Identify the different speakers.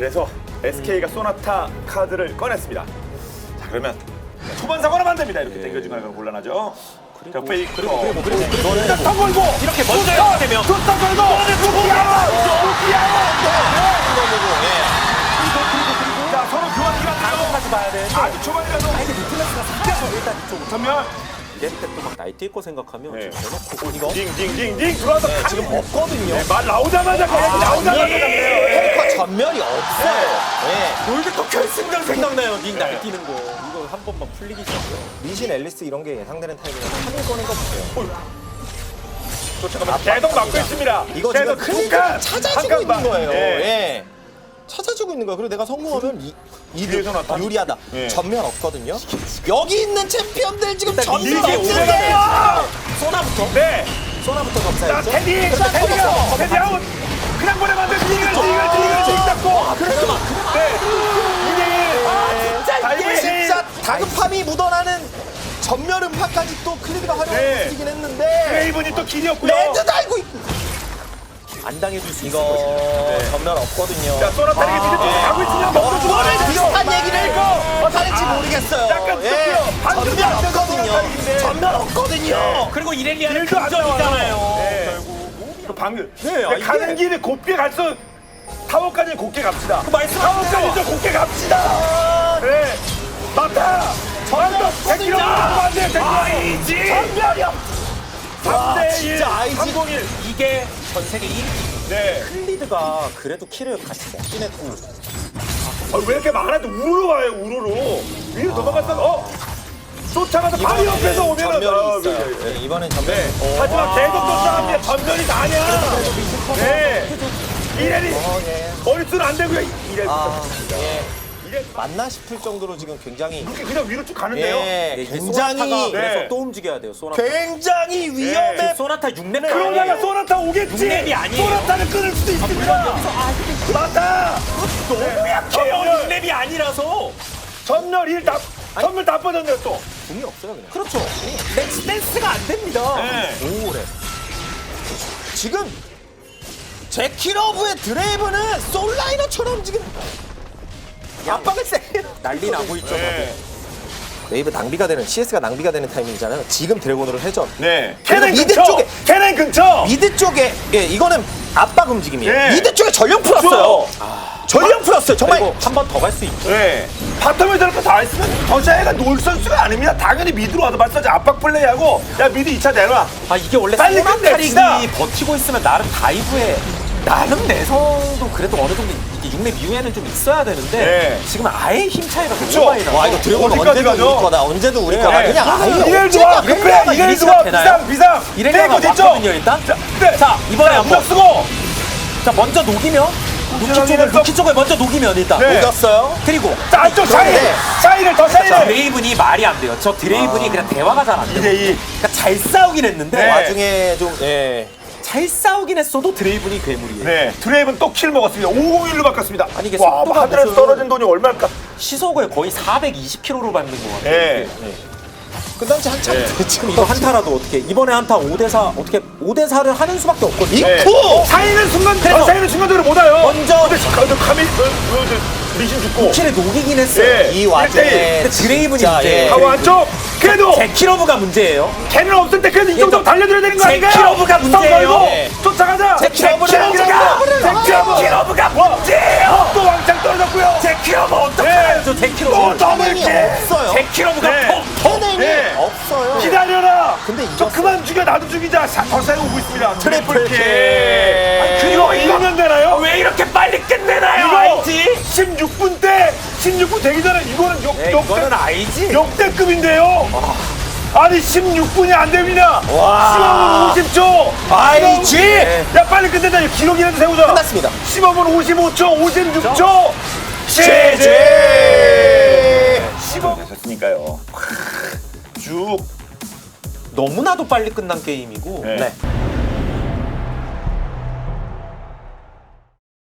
Speaker 1: 그래서 SK가 소나타 카드를 꺼냈습니다. 자, 그러면 초반 사고는 안 됩니다. 이렇게 당겨주거나 그건 곤란하죠. 자, 페이크. 그리고 일단 더 걸고
Speaker 2: 이렇게 먼저 해야 되면
Speaker 1: 더 걸고 자, 서로 교환기가
Speaker 2: 다음까지 봐야 돼.
Speaker 1: 아주 초반이라도
Speaker 2: 이게 뉴틀러스가 살려서 일단 이쪽으로
Speaker 1: 전면
Speaker 2: 이럴 때또막 나이트 있고 생각하면
Speaker 1: 네.
Speaker 2: 지금 대놓고 이거
Speaker 1: 딩딩딩딩 들어와서
Speaker 3: 지금 없거든요.
Speaker 1: 네, 말 나오자마자 그냥 나오자마자 그래요.
Speaker 3: 페이커 전멸이 없어요. 예.
Speaker 2: 롤드컵 결승전 생각나요. 닉 날뛰는 거 이거 한 번만 풀리기 시작해요.
Speaker 3: 리신 앨리스 이런 게 예상되는 타이밍에 3일 꺼낸 거 보세요.
Speaker 1: 또 잠깐만 계속 막고 있습니다.
Speaker 3: 이거 지금
Speaker 1: 계속
Speaker 3: 클릭을 찾아주고 있는 거예요.
Speaker 1: 네.
Speaker 3: 예. 찾아주고 있는 거야. 그리고 내가 성공하면
Speaker 1: 뒤에서 나타나-
Speaker 3: 유리하다.
Speaker 1: 예.
Speaker 3: 전면 없거든요. 여기 있는 챔피언들 지금
Speaker 2: 일단
Speaker 3: 전면
Speaker 2: 이게
Speaker 3: 없는데요.
Speaker 2: 소나부터
Speaker 1: 네.
Speaker 3: 소나부터
Speaker 1: 자,
Speaker 3: 검사했죠.
Speaker 1: 테디 아웃. 그냥 보내면 안 돼. 딩을 잡고. 네.
Speaker 3: 진짜 이게
Speaker 1: 다이빙.
Speaker 3: 진짜 다급함이 묻어나는 전멸 음파까지 또 클리드가 활용을
Speaker 1: 네.
Speaker 3: 쓰긴 했는데
Speaker 1: 레이븐이 또 길이었고요.
Speaker 3: 레드 달고 있고
Speaker 2: 안 당해줄 수 있어.
Speaker 3: 이거 전멸 없거든요.
Speaker 1: 자, 소나타에게 미드 쪽으로 가고 있으면 먹고
Speaker 3: 이거를
Speaker 1: 죽어요.
Speaker 3: 비슷한 얘기를 하는지 모르겠어요.
Speaker 1: 약간
Speaker 3: 예.
Speaker 1: 섞여요. 반대로
Speaker 3: 전멸
Speaker 1: 반대로
Speaker 3: 없거든요.
Speaker 1: 소나타인데.
Speaker 3: 전멸 없거든요.
Speaker 2: 그리고 이렐리아는
Speaker 1: 일도 안
Speaker 2: 긍정이잖아요.
Speaker 1: 네. 그 방금
Speaker 3: 네,
Speaker 1: 네, 가는 길에 곱게 갈수 타워까지 곱게 갑시다.
Speaker 2: 말씀하세요.
Speaker 1: 타워까지 좀 곱게 갑시다. 네. 맞다. 전멸 100km 안 돼. 아이지. 전멸이 없. 3대1
Speaker 3: 진짜 아이지.
Speaker 1: 301.
Speaker 2: 이게 전 세계 1위.
Speaker 1: 네.
Speaker 2: 클리드가 그래도 키를 같이 먹긴 했고
Speaker 1: 왜 이렇게 많아도 우르르 와요. 우르르. 위로 도망갔다가 쫓아가서 바로 옆에서 오면은
Speaker 3: 전멸이 있어요.
Speaker 1: 네.
Speaker 3: 네, 이번엔 전멸.
Speaker 1: 네. 하지만 계속 쫓아갑니다. 전멸이 다냐. 네. 이래리
Speaker 3: 예.
Speaker 1: 머릿수는 안 되고요. 이래.
Speaker 3: 예.
Speaker 1: 이래.
Speaker 3: 맞나 싶을 정도로 지금 굉장히
Speaker 1: 이렇게 그냥 위로 쭉 가는데요.
Speaker 3: 예,
Speaker 2: 이게
Speaker 3: 굉장히
Speaker 2: 소나타가 그래서
Speaker 1: 네.
Speaker 2: 또 움직여야 돼요. 소나타.
Speaker 3: 굉장히 위험해.
Speaker 2: 지금 소나타 6렙
Speaker 1: 그러다가 소나타 오겠지.
Speaker 2: 육렙이 아니에요.
Speaker 1: 소나타를 끊을 수도 있습니다. 맞다.
Speaker 2: 너무 약해요. 6렙이 아니라서.
Speaker 1: 전멸 1 다, 전멸 다 빠졌네요 또.
Speaker 3: 궁이 없어요 그냥.
Speaker 2: 그렇죠. 댄스가 안 됩니다.
Speaker 1: 네.
Speaker 3: 오래. 지금 제키러브의 드레이브는 솔라이너처럼 지금 압박을 세.
Speaker 2: 난리 나고 있죠.
Speaker 1: 네.
Speaker 3: 웨이브 낭비가 되는 CS가 낭비가 되는 타이밍이잖아요. 지금 드래곤으로 회전.
Speaker 1: 네.
Speaker 3: 그리고
Speaker 1: 캐넨
Speaker 3: 미드
Speaker 1: 근처.
Speaker 3: 쪽에-
Speaker 1: 캐넨 근처.
Speaker 3: 미드 쪽에 예 이거는 압박 움직임이에요.
Speaker 1: 네.
Speaker 3: 미드 쪽에 전령 풀었어요. 전령 풀었어요. 정말
Speaker 2: 그리고 한 번 더 갈 수 있죠.
Speaker 1: 네. 바텀에 저렇게 다 있으면 더샤이가 놀 선수가 아닙니다. 당연히 미드로 와서 마사지 압박 플레이하고 야 미드 2차 내놔.
Speaker 2: 아 이게 원래
Speaker 1: 빨리
Speaker 2: 소나타릭이
Speaker 1: 끝냅시다.
Speaker 2: 버티고 있으면 나름 다이브에 나름 내성도 그래도 어느 정도 이게 6렙 이후에는 좀 있어야 되는데
Speaker 1: 네.
Speaker 2: 지금 아예 힘 차이가
Speaker 1: 그쵸.
Speaker 2: 너무 많이 나요.
Speaker 3: 와 이거 드래곤
Speaker 1: 어디까지
Speaker 3: 언제도
Speaker 1: 가죠?
Speaker 3: 우리 거다. 언제도 우리
Speaker 1: 네.
Speaker 3: 거다. 그냥 아예
Speaker 1: 이렐 좋아. 급해.
Speaker 2: 이렐리아가
Speaker 1: 이렐
Speaker 2: 이리
Speaker 1: 좋아.
Speaker 2: 시작되나요?
Speaker 1: 비상.
Speaker 2: 이렐리아가
Speaker 1: 떼고 됐죠?
Speaker 2: 왔거든요 일단.
Speaker 1: 네.
Speaker 2: 자 이번에 한번
Speaker 1: 무적 쓰고.
Speaker 2: 자 먼저 녹이면 루키 쪽을 먼저 녹이면 일단
Speaker 1: 네.
Speaker 3: 녹였어요.
Speaker 2: 그리고
Speaker 1: 자 안쪽 샤이.
Speaker 3: 네.
Speaker 1: 샤이를 더 샤이를.
Speaker 2: 드레이븐이 말이 안 돼요. 저 드레이븐이 그냥 대화가 잘 안 돼요.
Speaker 1: 2대2.
Speaker 2: 그러니까 잘 싸우긴 했는데
Speaker 1: 네.
Speaker 3: 와중에 좀 예.
Speaker 2: 잘 싸우긴 했어도 드레이븐이 괴물이에요.
Speaker 1: 네. 드레이븐 또 킬 먹었습니다. 501로 바꿨습니다.
Speaker 2: 아니, 이게
Speaker 1: 와,
Speaker 2: 속도가
Speaker 1: 하늘에서
Speaker 2: 무슨-
Speaker 1: 떨어진 돈이 얼마일까?
Speaker 2: 시속을 거의 420km로 밟는 것 같아요.
Speaker 1: 네.
Speaker 3: 끝난 지 한참
Speaker 1: 네.
Speaker 3: 됐죠. 지금
Speaker 2: 이거 한타라도 어떻게 이번에 한타 5대4 어떻게 5대4를 하는 수밖에 없거든요.
Speaker 1: 네.
Speaker 3: 오!
Speaker 1: 사이는 순간,
Speaker 2: 그래서-
Speaker 1: 사이는 순간적으로 못 와요.
Speaker 2: 먼저
Speaker 1: 근데 카밀, 리신 죽고.
Speaker 2: 킬을 녹이긴 했어요.
Speaker 1: 네.
Speaker 3: 이 와중에
Speaker 2: 근데 드레이븐이
Speaker 3: 진짜,
Speaker 2: 문제예요.
Speaker 3: 예.
Speaker 1: 하고 안쪽. 그래도
Speaker 2: 제키러브가 문제예요.
Speaker 1: 걔는 없을 때 그래도 이 정도
Speaker 2: 또
Speaker 1: 달려들어야 되는 거 아닌가요?
Speaker 2: 제키러브가 문제예요.
Speaker 3: 네.
Speaker 1: 쫓아가자.
Speaker 3: 제키러브가
Speaker 2: 제키러브가 문제예요.
Speaker 1: 또 왕창 떨어졌고요.
Speaker 2: 제키러브
Speaker 1: 네.
Speaker 2: 어떡하죠?
Speaker 1: 또
Speaker 2: 제키러브.
Speaker 1: 더블
Speaker 3: 해냉이
Speaker 1: 킬.
Speaker 3: 없어요.
Speaker 2: 제키러브가
Speaker 1: 네.
Speaker 3: 해냉이
Speaker 1: 네.
Speaker 3: 없어요.
Speaker 1: 기다려라.
Speaker 3: 근데
Speaker 1: 저
Speaker 3: 이겼어요.
Speaker 1: 그만 죽여 나도 죽이자. 더 사이 오고 있습니다.
Speaker 3: 트리플 킬.
Speaker 1: 아니, 이거 이기면 되나요?
Speaker 2: 왜 이렇게 빨리 끝내나요?
Speaker 1: 이거
Speaker 2: 알지?
Speaker 1: 16분 때 16분 되기 전에 이거는
Speaker 2: 이거는 알지?
Speaker 1: 역대급인데요. 아니 16분이 안 됩니다.
Speaker 3: 와.
Speaker 1: 15분 50초.
Speaker 3: 알지?
Speaker 1: 야 빨리 끝내자. 기록이라도 세우자.
Speaker 3: 끝났습니다.
Speaker 1: 15분 55초 56초.
Speaker 3: 제제.
Speaker 1: 15분 되셨으니까요. 쭉.
Speaker 2: 너무나도 빨리 끝난 게임이고
Speaker 1: 네.
Speaker 3: 네.